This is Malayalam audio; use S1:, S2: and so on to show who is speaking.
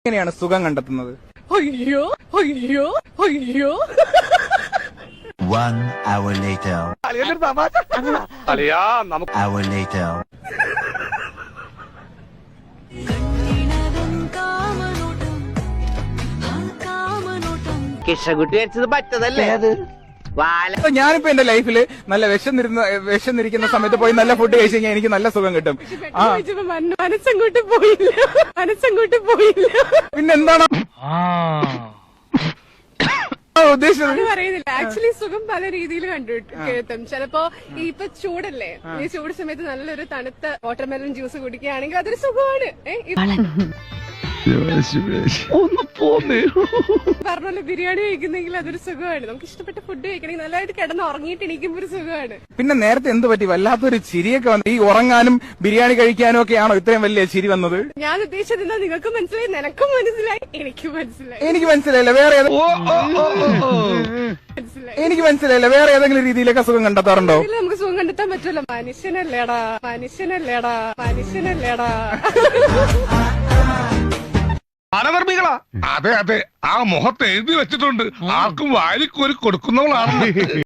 S1: എങ്ങനെയാണ് സുഖം കണ്ടെത്തുന്നത്?
S2: അയ്യോ അയ്യോ അയ്യോ.
S3: 1 hour later. Hour later.
S4: കിഷകുട്ടി വെച്ചത് പറ്റതല്ലേ അത്?
S1: ഞാനിപ്പോ എന്റെ ലൈഫില് നല്ല വിശന്നിരിക്കുന്ന സമയത്ത് പോയി നല്ല ഫുഡ് കഴിച്ചു കഴിഞ്ഞാൽ എനിക്ക് നല്ല സുഖം കിട്ടും.
S2: മനസ്സങ്ങോട്ട് പോയില്ല.
S1: പിന്നെന്താണ് ഉദ്ദേശിച്ചത്?
S2: പറയുന്നില്ല. ആക്ച്വലി സുഖം പല രീതിയിൽ കേട്ടും. ചിലപ്പോ ഇപ്പൊ ചൂടല്ലേ, ഈ ചൂട് സമയത്ത് നല്ലൊരു തണുത്ത വാട്ടർമെലൺ ജ്യൂസ് കുടിക്കുകയാണെങ്കിൽ അതൊരു സുഖമാണ്. പറഞ്ഞല്ലോ, ബിരിയാണി കഴിക്കുന്നെങ്കിൽ അതൊരു സുഖമാണ്. നമുക്ക് ഇഷ്ടപ്പെട്ട ഫുഡ് കഴിക്കണമെങ്കിൽ നല്ലതായിട്ട് കിടന്ന് ഉറങ്ങിയിട്ട് എണീക്കുമ്പോ ഒരു സുഖമാണ്.
S1: പിന്നെ നേരത്തെ എന്ത് പറ്റി? വല്ലാത്തൊരു ചിരിയൊക്കെ വന്നു. ഈ ഉറങ്ങാനും ബിരിയാണി കഴിക്കാനും ഒക്കെ ആണോ ഇത്രയും വലിയ ചിരി വന്നത്?
S2: ഞാൻ ഉദ്ദേശിച്ചത് എന്താ, നിങ്ങൾക്ക് മനസ്സിലായി, നിനക്കും മനസ്സിലായി, എനിക്കും മനസ്സിലായി.
S1: എനിക്ക് മനസ്സിലായില്ല. എനിക്ക് മനസ്സിലായില്ല. വേറെ ഏതെങ്കിലും രീതിയിലൊക്കെ സുഖം കണ്ടെത്താറുണ്ടോ?
S2: നമുക്ക് സുഖം കണ്ടെത്താൻ പറ്റുമല്ലോ. മനുഷ്യനല്ലേടാ.
S5: അനധർമ്മികളാ. അതെ, ആ മുഖത്ത് എഴുതി വെച്ചിട്ടുണ്ട്, ആർക്കും വാരിക്കോരി കൊടുക്കുന്നവളാണ്.